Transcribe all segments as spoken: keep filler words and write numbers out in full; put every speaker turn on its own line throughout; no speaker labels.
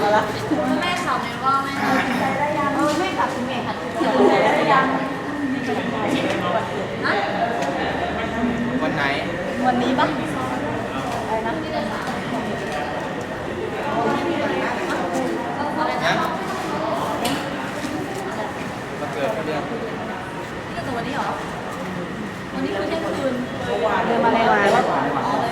เอาละ
แม่ถามเลยว่าแม่
ใจได้ยังเออแม่กลับคุณแม่ค่ะใจได้ยัง
นะ
วันไหน
วันนี้ปะอะไรนะ
อะไรนะ
นะมาเกิดเขาเดือน
นี่ตัววันนี้เหรอวันนี้คือเที่ยงคืน
เดินมาแล้ว
อ๋อเลยมาแล้ว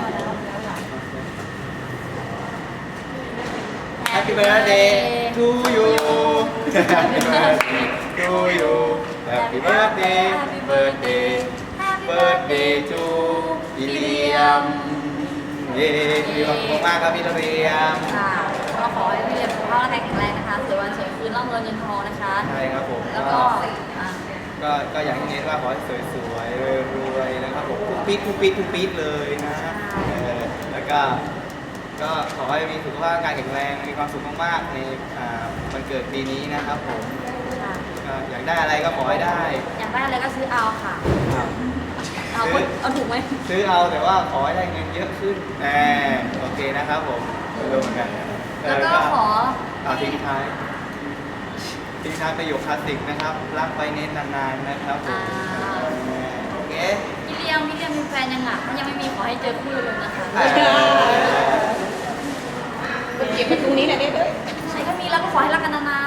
Happy birthday to you Happy birthday to you Happy birthday Happy birthday birthday to พี่เลียมเย้มีความสุขมากครับพี่เลียม
ค่ะก็ขอให้พี่เรียนสุขภาพร่างกายแข็งแรงนะคะสวยวันสวยคืนร่ำรวยเงินทองนะคะ
ใช่ครับผม
แล้วก็อ่ะ
ก็ก็อย่างที่เน้นว่าขอให้สวยๆรวยๆนะครับผมทุกปี๊ดทุกปี๊ดทุกปี๊ดเลยนะเออแล้วก็ก็ขอให้มีสุขภาพร่างกายแข็งแรงมีความสุขมากๆในอ่าวันเกิดปีนี้นะครับผม
ค่ะ
ก็อยากได้อะไรก็ขอให้ได้
อยากได้อะไรก็ซื้อเอาค่ะ
ครับ
เอา
ซื้อ
เอาถูกไหม
ซื้อเอาแต่ว่าขอให้ได้เงินเยอะขึ้นแหมโอเคนะครับผมไม่รู้เหมือนกันเอ
แล้ว
อ
ก็ขอ
เอาทิ้งท้ายทิ้งท้ายประโยคคลาสสิกนะครับรักไปเน้นนานๆนะครับผม
อ่า
โอเค
พี่เลี้ยงพี่เลี้ยงมีแฟนยังอ่ะถ้ายังไม่มีขอให้เจอคู่เลยนะคะ
เออ
เก็บไปตรงนี้แหละเด้อ
ใช่ถ้ามีแล้วก็ขอให้รักกันนาน